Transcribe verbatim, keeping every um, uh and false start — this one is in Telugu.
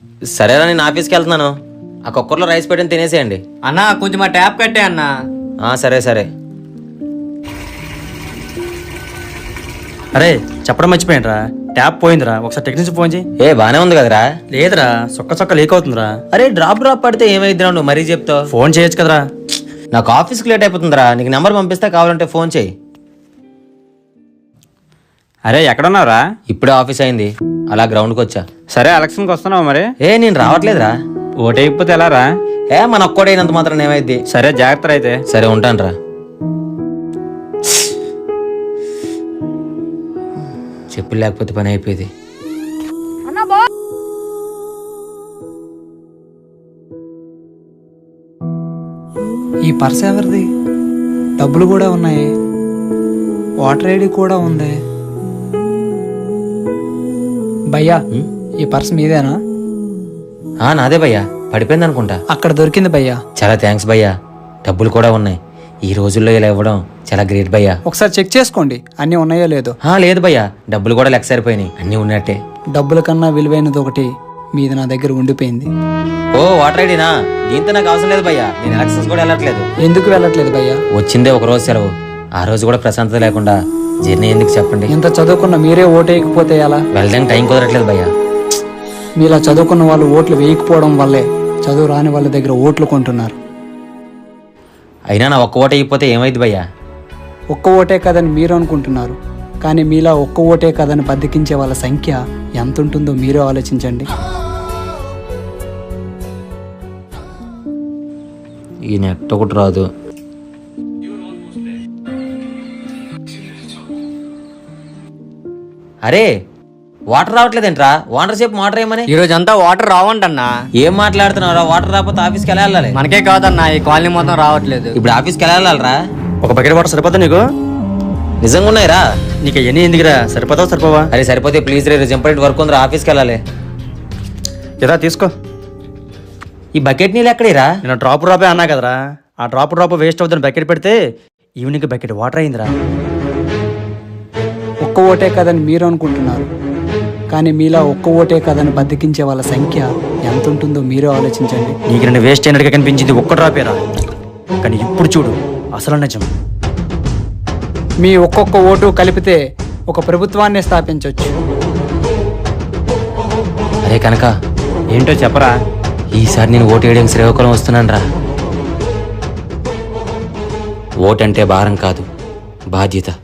సరేరా, నేను ఆఫీస్కి వెళ్తున్నాను. ఆ కుక్కర్లో రైస్ పెట్టిన తినేసేయండి. అన్నా కొంచెం మా ట్యాప్ కట్టే అన్నా. సరే సరే. అరే చెప్పడం మర్చిపోయినరా, ట్యాప్ పోయిందిరా, ఒకసారి టెక్నీషియన్ ఫోన్ చేయి. ఏ బానే ఉంది కదరా? లేదురా, సొక్క సొక్క లీక్ అవుతుందిరా. అరే డ్రాప్ డ్రాప్ పడితే ఏమైద్దిరా, నువ్వు మరీ చెప్తావు. ఫోన్ చేయొచ్చు కదరా. నాకు ఆఫీస్కి లేట్ అయిపోతుందిరా, నీకు నెంబర్ పంపిస్తా, కావాలంటే ఫోన్ చేయి. అరే ఎక్కడున్నావురా? ఇప్పుడే ఆఫీస్ అయింది, అలా గ్రౌండ్కి వచ్చా. సరే ఎలక్షన్కి వస్తున్నావు మరి? ఏ నేను రావట్లేదురా. ఓటైపోతే ఎలా రా? ఏ మన ఒక్కడైనంత మాత్రం ఏమైద్ది. సరే జాగ్రత్త అయితే. సరే ఉంటానురా. చెప్పులు లేకపోతే పని అయిపోయింది. ఈ పర్స్ ఎవరిది? డబ్బులు కూడా ఉన్నాయి, వాటర్ ఐడి కూడా ఉంది. భయ్యా ఈ పర్స్ మీదేనా? ఆ నాదే భయ్యా, పడిపోయింది అనుకుంటా. అక్కడ దొరికింది భయ్యా. చాలా థ్యాంక్స్ భయ్యా. డబ్బులు కూడా ఉన్నాయి. ఈ రోజుల్లో ఇలా ఇవ్వడం చాలా గ్రేట్ భయ్యా. ఒకసారి చెక్ చేసుకోండి అన్నీ ఉన్నాయో లేదో. లేదు భయ్యా, డబ్బులు కూడా లెక్క సరిపోయినాయి, అన్నీ ఉన్నట్టే. డబ్బుల కన్నా విలువైనది ఒకటి మీది నా దగ్గర ఉండిపోయింది. ఓ వాటర్ ఐడినా? దీంతో నాకు అవసరం లేదు భయ్యా, నేను ఎలక్షన్స్ కూడా వెళ్ళట్లేదు. ఎందుకు వెళ్ళట్లేదు భయ్యా? వచ్చిందే ఒక రోజు సెలవు, ఆ రోజు కూడా ప్రశాంతత లేకుండా జర్నీ ఎందుకు చెప్పండి. ఇంత చదువుకున్న మీరే ఓటు వేయకపోతే ఎలా? వెళ్ళడానికి టైం కుదరట్లేదు భయ్యా. మీలా చదువుకున్న వాళ్ళు ఓట్లు వేయకపోవడం వల్లే చదువు రాని వాళ్ళ దగ్గర ఓట్లు కొంటున్నారు. అయినా నా ఒక్క ఓటు అయిపోతే ఏమైంది భయ్యా? ఒక్క ఓటే కదని మీరు అనుకుంటున్నారు, కానీ మీలా ఒక్క ఓటే కదని బద్దకించే వాళ్ళ సంఖ్య ఎంత ఉంటుందో మీరే ఆలోచించండి. ఈ నెట్ ఒకటి రాదు. అరే వాటర్ రావట్లేదేంట్రా? వాటర్ సేపు వాటర్ ఏమని? ఈ రోజు అంతా వాటర్ రావంటన్నా. ఏం మాట్లాడుతున్నారా? వాటర్ రాకపోతే ఆఫీస్కి ఎలా వెళ్ళాలి? మనకే కాదన్నా, ఈ కాలనీ మొత్తం రావట్లేదు. ఇప్పుడు ఆఫీస్కి ఎలా వెళ్ళాలరా? ఒక బకెట్ వాటర్ సరిపోతా నీకు? నిజంగా ఉన్నాయిరా? నీకు ఎన్ని ఎందుకురా, సరిపోతావు సరిపోవా? అరే సరిపోతే ప్లీజ్ రే, ఇంపార్టెంట్ వర్క్ ఉందిరా, ఆఫీస్కి వెళ్ళాలి. ఇదా తీసుకో. ఈ బకెట్ నీళ్ళు ఎక్కడేరా? నేను డ్రాప్ డ్రాపే అన్నా కదరా, ఆ డ్రాప్ డ్రాప్ వేస్ట్ అవుతుంది బకెట్ పెడితే ఈవినింగ్ బకెట్ వాటర్ అయిందిరా. ఒక్క ఓటే కదని మీరు అనుకుంటున్నారు, కానీ మీలా ఒక్క ఓటే కదని బద్దకించే వాళ్ళ సంఖ్య ఎంత ఉంటుందో మీరే ఆలోచించండి. నీకు నేను వేస్ట్ అయినట్టుగా కనిపించింది ఒక్క డ్రాపేరా, కానీ ఇప్పుడు చూడు అసలు నిజం. మీ ఒక్కొక్క ఓటు కలిపితే ఒక ప్రభుత్వాన్ని స్థాపించవచ్చు. అరే కనుక ఏంటో చెప్పరా? ఈసారి నేను ఓటు వేయడం శ్రీకాకుళం వస్తున్నాను రా. ఓటంటే భారం కాదు, బాధ్యత.